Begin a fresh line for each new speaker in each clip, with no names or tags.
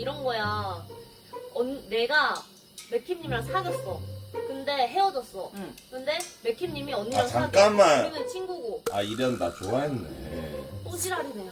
이런 거야. 내가 맥킴님이랑 사귀었어. 근데 헤어졌어.
응.
근데 맥킴님이 언니랑
잠깐만.
사귀어. 우리는 친구고.
아 이런 나 좋아했네.
또 지랄이네.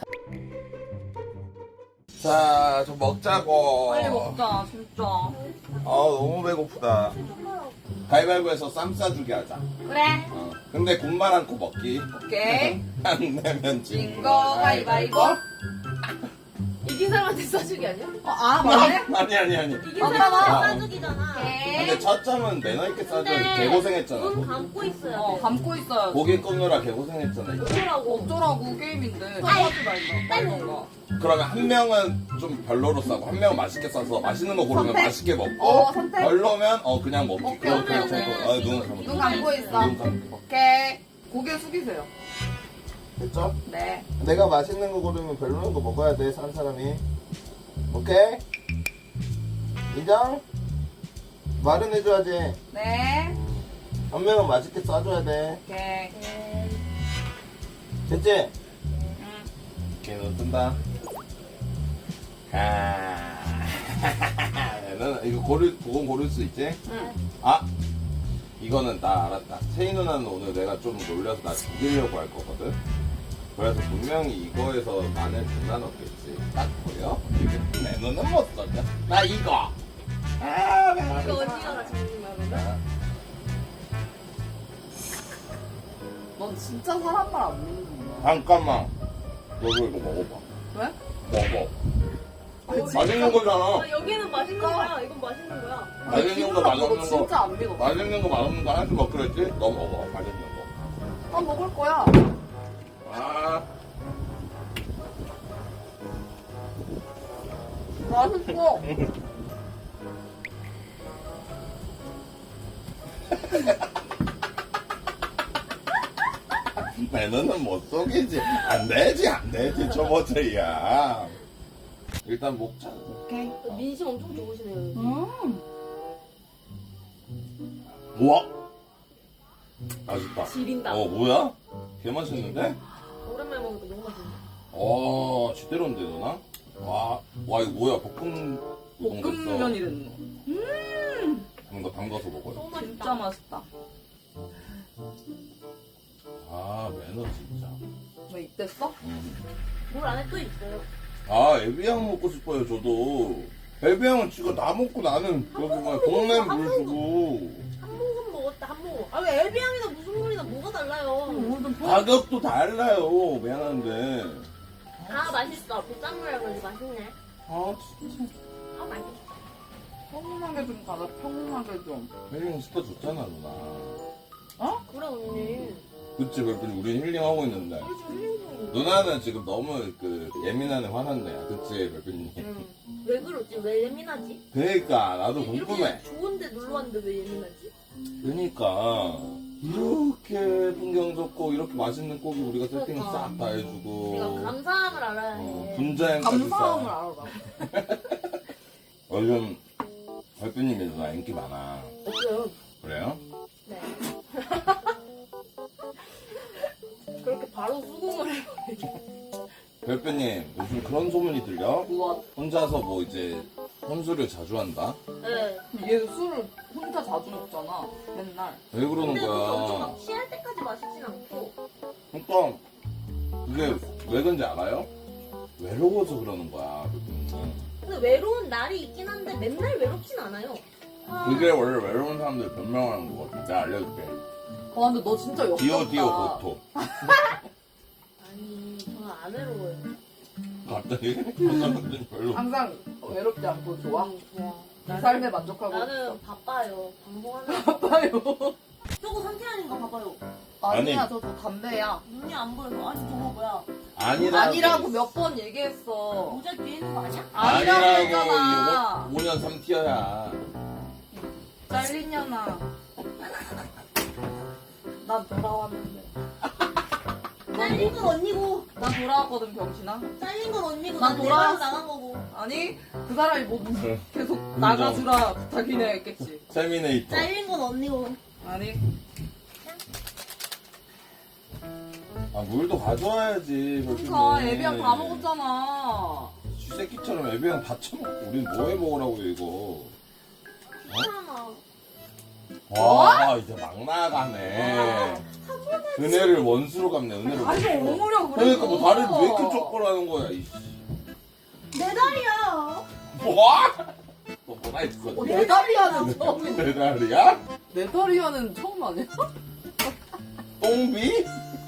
자, 좀 먹자고.
빨리 먹자 진짜.
아 너무 배고프다. 가위바위보해서 쌈 싸주기 하자.
그래.
근데 군말 않고 먹기.
오케이.
안 내면
진 거 가위바위보.
이긴 사람한테 싸주기 아니야?
아 맞네.
아니.
이긴
맞잖아.
사람한테 싸주기잖아.
근데 첫 점은 매너 있게 싸줘야 돼.
근데
개고생했잖아.
눈 감고 있어야 돼.
감고 있어야지.
고기 굽느라 개고생했잖아. 이거.
어쩌라고.
어쩌라고 게임인데. 하지 말자. 빨리 먹어.
그러면 한 명은 좀 별로로 싸고 한 명은 맛있게 싸서 맛있는 거 고르면
선택?
맛있게 먹고
선택?
별로면 그냥 먹기.
오케이,
그렇게
오케이,
해서
오케이.
눈 감고.
눈 감고 있어.
눈 감고.
오케이. 고개 숙이세요.
됐죠?
네.
내가 맛있는 거 고르면 별로인 거 먹어야 돼, 산 사람이. 오케이? 인정? 말은 해줘야지.
네.
한 명은 맛있게 싸줘야 돼.
오케이.
됐지?
응.
오케이, 너 뜬다. 너는 이거 그건 고를 수 있지?
응.
아! 이거는 나 알았다. 세희 누나는 오늘 내가 좀 놀려서 나 죽이려고 할 거거든? 그래서 분명히 이거에서 마늘 존나 넣겠지. 딱 보여? 이게 내 눈은 못 썼냐? 나 이거! 아, 내가
이거 언니가 장난하면?
넌 진짜 사람 말 안 믿는구나.
잠깐만. 너도 이거 먹어봐.
왜?
먹어. 맛있는 거잖아.
여기는 맛있는 거야. 이건 맛있는 거야.
맛있는 거,
너
맛없는 거.
진짜 안 믿어.
맛있는 거, 맛없는 거 하나씩 먹기로 했지? 너 먹어. 맛있는 거.
난 먹을 거야.
아.
맛있어.
내 눈은 못 속이지. 안 되지. 초보자야. 일단 먹자.
오케이.
민심 엄청 좋으시네요.
우와. 맛있다.
지린다.
뭐야? 개 맛있는데?
오랜만에 먹으니까 너무 맛있네.
지대로인데, 누나? 와, 이거 뭐야? 우동 됐어.
볶음면이 됐노.
이거 담가서 먹어요.
너무 맛있다.
진짜 맛있다.
매너 진짜.
왜 이때써?
물 안에 또 있어요.
에비앙 먹고 싶어요, 저도. 에비앙은 지가 다 먹고 나는 여기 뭐야, 동네 물 주고.
한 모금 먹었다, 한 모금. 아, 왜 엘비앙이나 무슨 물이나 뭐가 달라요?
가격도 달라요, 미안한데.
맛있어. 보쌈물이라 그런지 맛있네.
진짜.
맛있어.
평온하게 좀 가자. 평온하게 좀.
힐링 시켜줬잖아, 누나.
그래, 언니.
그치, 별빛이 우리 힐링하고 있는데.
우리 지금 힐링 중인데.
누나는 지금 너무 예민하네, 화났네. 그치, 별빛님.
왜 그러지? 왜 예민하지?
그니까, 나도 궁금해.
이렇게 좋은데 놀러 왔는데 왜 예민하지?
그니까, 이렇게 풍경 좋고, 이렇게 맛있는 고기 우리가 세팅
그러니까.
싹 다 해주고.
내가 감사함을 알아야 해.
분자행까지
감사함을
싹.
알아라.
요즘 별빛님이 누나 인기 많아.
없어요.
그래요?
네. 그렇게 바로 수긍을 해.
별빛님, 요즘 그런 소문이 들려?
우와.
혼자서 뭐 이제 혼술을 자주 한다?
네.
얘 술을 혼자 자주 먹잖아. 맨날.
왜 그러는
근데 그게 엄청
거야?
막 취할 때까지 마시진 않고.
그러니까 그게 왜 그런지 알아요? 외로워서 그러는 거야, 별빛님.
근데 외로운 날이 있긴 한데 맨날 외롭진 않아요.
그게 원래 외로운 사람들 변명하는 거거든. 내가 알려줄게.
근데 너 진짜 역겹다.
디오 고토.
아니, 저는 안 외로워요.
갑자기? 갑자기 별로.
항상 외롭지 않고 좋아?
좋아.
내 삶에 만족하고
나는 바빠요. 방송하는
있어. 봐요.
저거 상태 아닌가 봐봐요.
아니야,
아니.
저 담배야.
눈이 안 보여서. 아니, 저거 뭐야.
아니라고 몇 번 얘기했어.
모자 뒤에 있는 거 아니야?
아니라고 했잖아.
5년 3티어야.
잘리냐나. 난 돌아왔는데.
잘린 건 언니고.
난 돌아왔거든, 병신아.
잘린 건 언니고.
난
난
돌아왔어.
내가 나간 거고.
아니, 그 사람이 뭐 계속
인정.
나가주라 부탁이나 했겠지.
세미네이터.
잘린 건 언니고.
아니,
물도 가져와야지.
그러니까
별빛님.
애비랑 다 먹었잖아.
쥐새끼처럼 애비랑 다 처먹고 우린 뭐 해 먹으라고 이거.
괜찮아.
와 이제 막 나가네. 은혜를 원수로 갚네. 은혜를
아니
원수로.
오므려 그래.
그러니까 뭐 다리를 왜 이렇게 쩍벌하는 거야 이씨.
내 다리야.
뭐? 너 뭐라 했어?
네다리아는 처음이야.
내 다리야?
네다리아는 처음 아니야?
똥비?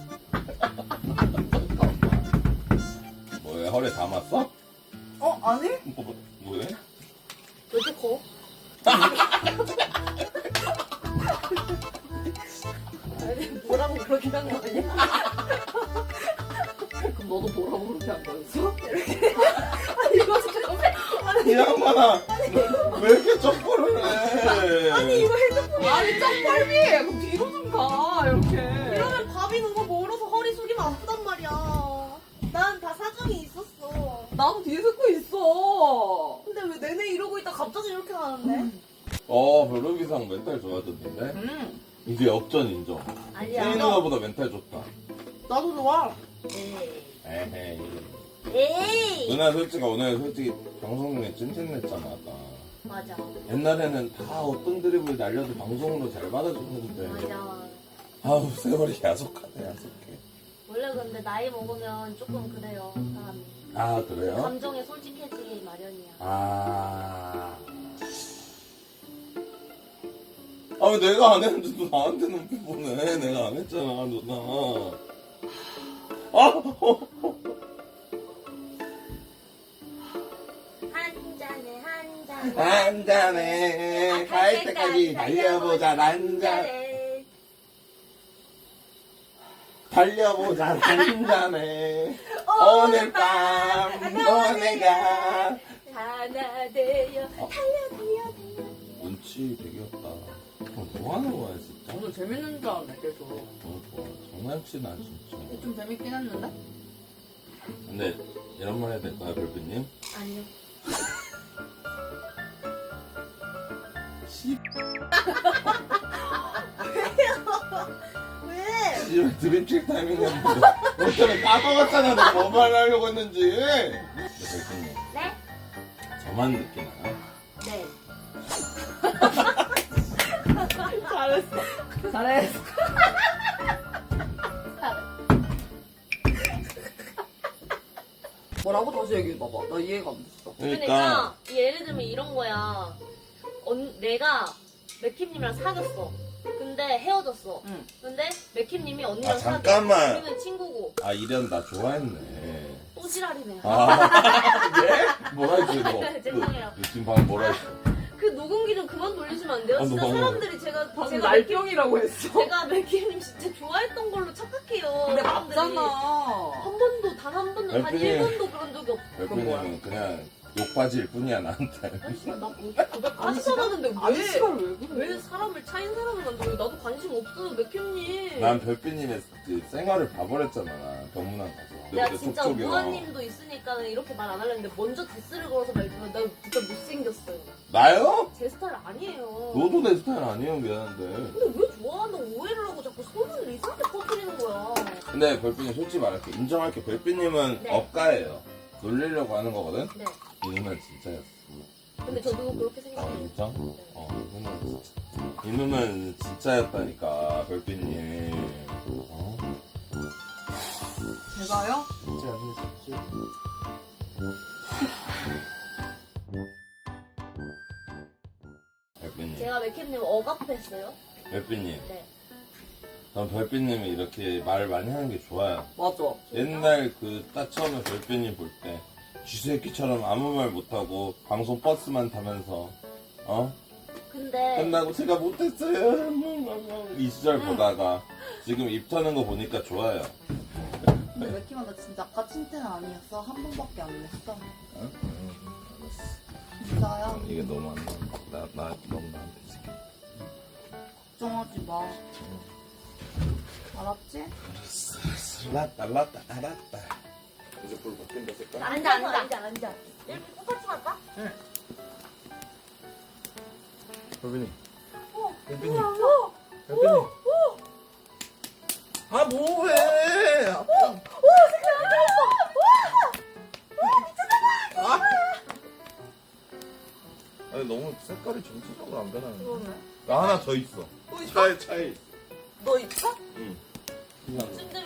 뭐야 허리 담았어?
아니?
뭐해?
왜 이렇게 커? 아니, 뭐라고 그렇게 한 거 아니야?
그럼 너도 뭐라고 그렇게 한 거였어?
이거 진짜
이 양반아 왜 이렇게 쩍벌을 해?
아니 이거 핸드폰
아니 짱빨비! 그럼 뒤로 좀 가 이렇게.
이러면 밥이 너무 멀어서 허리 숙이면 아프단 말이야. 난 다 사정이 있었어.
나도 뒤에 듣고 있어.
근데 왜 내내 이러고 있다 갑자기 이렇게 하는데?
별로기상 멘탈 좋아졌는데? 이제 역전 인정.
아니야.
세인 누나보다 멘탈 좋다.
나도 좋아.
에헤이.
에이.
누나 오늘 솔직히 방송 중에 찐찐냈잖아 아까.
맞아.
옛날에는 다 어떤 드립을 날려도 방송으로 잘 받아줬는데
맞아.
아우 세월이 야속하네 야속해.
원래 근데 나이 먹으면 조금 그래요 사람이.
아 그래요?
감정에 솔직해지기 마련이야.
왜 내가 안 했는데 너 나한테 눈빛 보내. 내가 안 했잖아 누나.
한 잔에 한 잔에
한 잔에 갈 때까지 달려보자 한 잔에 달려보자 한 잔에 오늘 밤 너네가
하나 되어 달려
눈치 되게 없다. 뭐 하는 거야 진짜?
오늘 재밌는 줄 알았네 계속.
좋아. 장난치나 진짜.
좀 재밌긴 했는데?
근데 이런 말 해야 될까요 별빛님?
아니요. 왜?
씨발 드립칠 타이밍이었는데 너 때문에 까먹었잖아 내가 뭐 말하려고 했는지. 별빛님
네?
저만 느끼나요?
네.
잘했어. 뭐라고 다시 얘기해봐봐. 나 이해가 안 됐어.
그러니까 예를 들면 이런 거야. 내가 맥킴님이랑 사귀었어. 근데 헤어졌어.
응.
근데 맥킴님이 언니랑
아,
사귀어.
잠깐만.
우리는 친구고.
이런 나 좋아했네.
또 지랄이네.
예? 뭐라 했지 너?
죄송해요.
지금 방금 뭐라 했어?
그 녹음기 좀 그만 돌리시면 안 돼요? 진짜
너무-
사람들이 제가
방금 날병이라고 했어.
제가 맥킴님 진짜 좋아했던 걸로 착각해요.
근데
사람들이.
맞잖아.
한 번도 단 한 번도 단
맥킴님.
1번도 그런 적이 없어.
별빛님은 그냥 욕받이일 뿐이야 나한테.
나 고백하시잖았는데
아니
왜?
시발 왜 그래?
왜 사람을 차인 사람을 만들어? 나도 관심 없어요, 맥킴님.
난 별빛님의 그 생활을 봐버렸잖아 나 병문안 가서.
내가
그때
진짜
톡톡이랑.
우아님도 있으니까 이렇게 말 안 하려는데 먼저 디스를 걸어서 말지만 나 진짜 못생겼어요.
나요?
제 스타일 아니에요.
너도 내 스타일 아니에요 미안한데.
근데 왜 좋아한다고 오해를 하고 자꾸 소문을 이상하게 퍼뜨리는 거야.
근데 별빛님 솔직히 말할게 인정할게. 별빛님은
네.
억가예요. 놀리려고 하는 거거든.
네.
이 누나는 진짜였어.
근데 저도 그렇게
아
생각해요.
진짜? 이 누나는 진짜. 이 누나는 진짜였다니까 별빛님.
제가요?
진짜 아니지. 별빛님.
제가 맥킴님 억압했어요.
별빛님.
네.
전 별빛님이 이렇게 말을 많이 하는 게 좋아요.
맞아.
옛날 딱 처음에 별빛님 볼 때 쥐새끼처럼 아무 말 못하고 방송 버스만 타면서
근데
끝나고 제가 못했어요 이 시절 보다가 지금 입 터는 거 보니까 좋아요.
근데 맥키마 나 진짜 아까 찐텐 아니었어. 한 번밖에 안 냈어. 진짜야?
이게 너무 안 나. 나 너무 나한테 지금.
걱정하지 마. 알았지?
알았다. 이제 불 바뀐다 색깔.
앉아. 이렇게 똑같이 할까?
별빛님.
별빛님.
별빛님. 뭐해? 아니 너무 색깔이 정체적으로 안 변하는데.
그러네.
나 하나 더 있어.
또 있어?
차에 있어.
너 있어?
응.
침대